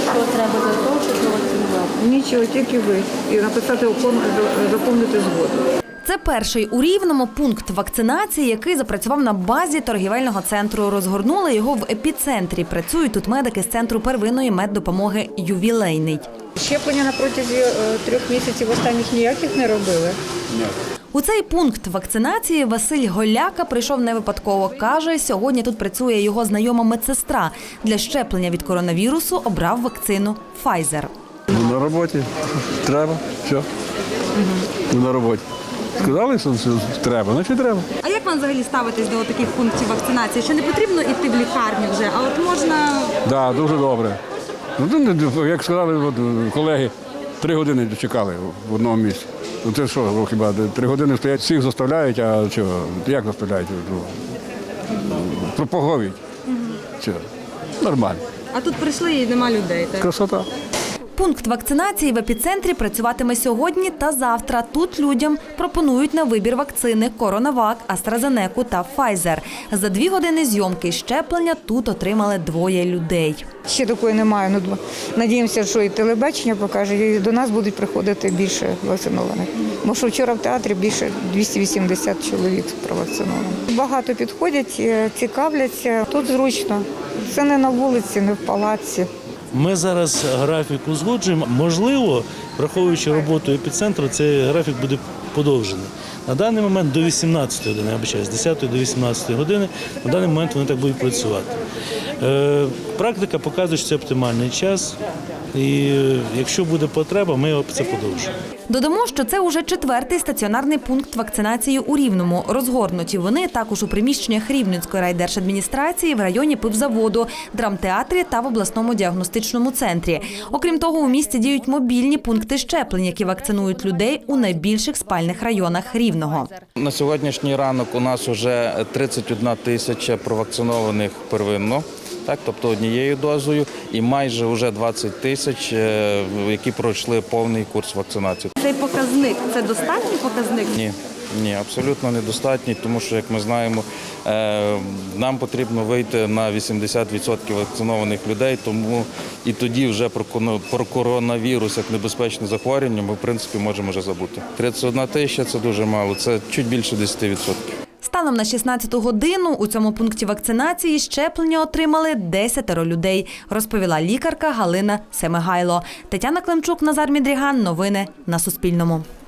що треба для того, щоб провакцинувати? Нічого, тільки ви. І написати заповнити згоду. Це перший у Рівному пункт вакцинації, який запрацював на базі торгівельного центру. Розгорнули його в епіцентрі. Працюють тут медики з центру первинної меддопомоги «Ювілейний». Щеплення на протязі 3 місяців останніх ніяких не робили? Ні. У цей пункт вакцинації Василь Голяка прийшов не випадково. Каже, сьогодні тут працює його знайома медсестра. Для щеплення від коронавірусу обрав вакцину Pfizer. На роботі. Треба. Все. На роботі. Сказали, що треба, значить треба. А як вам взагалі ставитесь до таких пунктів вакцинації? Що не потрібно йти в лікарню вже, а от можна… Так, дуже добре. Ну, як сказали от, колеги, 3 години чекали в одному місці. Ну це що, хіба 3 години стоять, всіх заставляють, а чого? Як заставляють? Пропаговують. Чого? Нормально. А тут прийшли і нема людей, так? Красота. Пункт вакцинації в епіцентрі працюватиме сьогодні та завтра. Тут людям пропонують на вибір вакцини «Коронавак», «AstraZeneca» та «Pfizer». За 2 години зйомки щеплення тут отримали 2 людей. Ще такої немає. Ну, надіємося, що і телебачення покаже, і до нас будуть приходити більше вакцинованих. Тому що вчора в театрі більше 280 чоловік провакцинованих. Багато підходять, цікавляться. Тут зручно. Це не на вулиці, не в палаці. Ми зараз графік узгоджуємо. Можливо, враховуючи роботу епіцентру, цей графік буде подовжений. На даний момент до 18 години, я вибачаюсь, з 10 до 18 години, на даний момент вони так будуть працювати. Практика показує, що це оптимальний час, і якщо буде потреба, ми це подовжимо. Додамо, що це уже 4-й стаціонарний пункт вакцинації у Рівному. Розгорнуті вони також у приміщеннях Рівненської райдержадміністрації, в районі пивзаводу, драмтеатрі та в обласному діагностичному центрі. Окрім того, у місті діють мобільні пункти щеплень, які вакцинують людей у найбільших спальних районах Рівного. На сьогоднішній ранок у нас вже 31 тисяча провакцинованих первинно. Так, тобто однією дозою, і майже вже 20 тисяч, які пройшли повний курс вакцинації. Цей показник – це достатній показник? Ні, абсолютно недостатній, тому що, як ми знаємо, нам потрібно вийти на 80% вакцинованих людей, тому і тоді вже про коронавірус як небезпечне захворювання ми, в принципі, можемо вже забути. 31 тисяча – це дуже мало, це чуть більше 10%. Станом на 16-ту годину у цьому пункті вакцинації щеплення отримали 10 людей, розповіла лікарка Галина Семигайло. Тетяна Климчук, Назар Мідріган. Новини на Суспільному.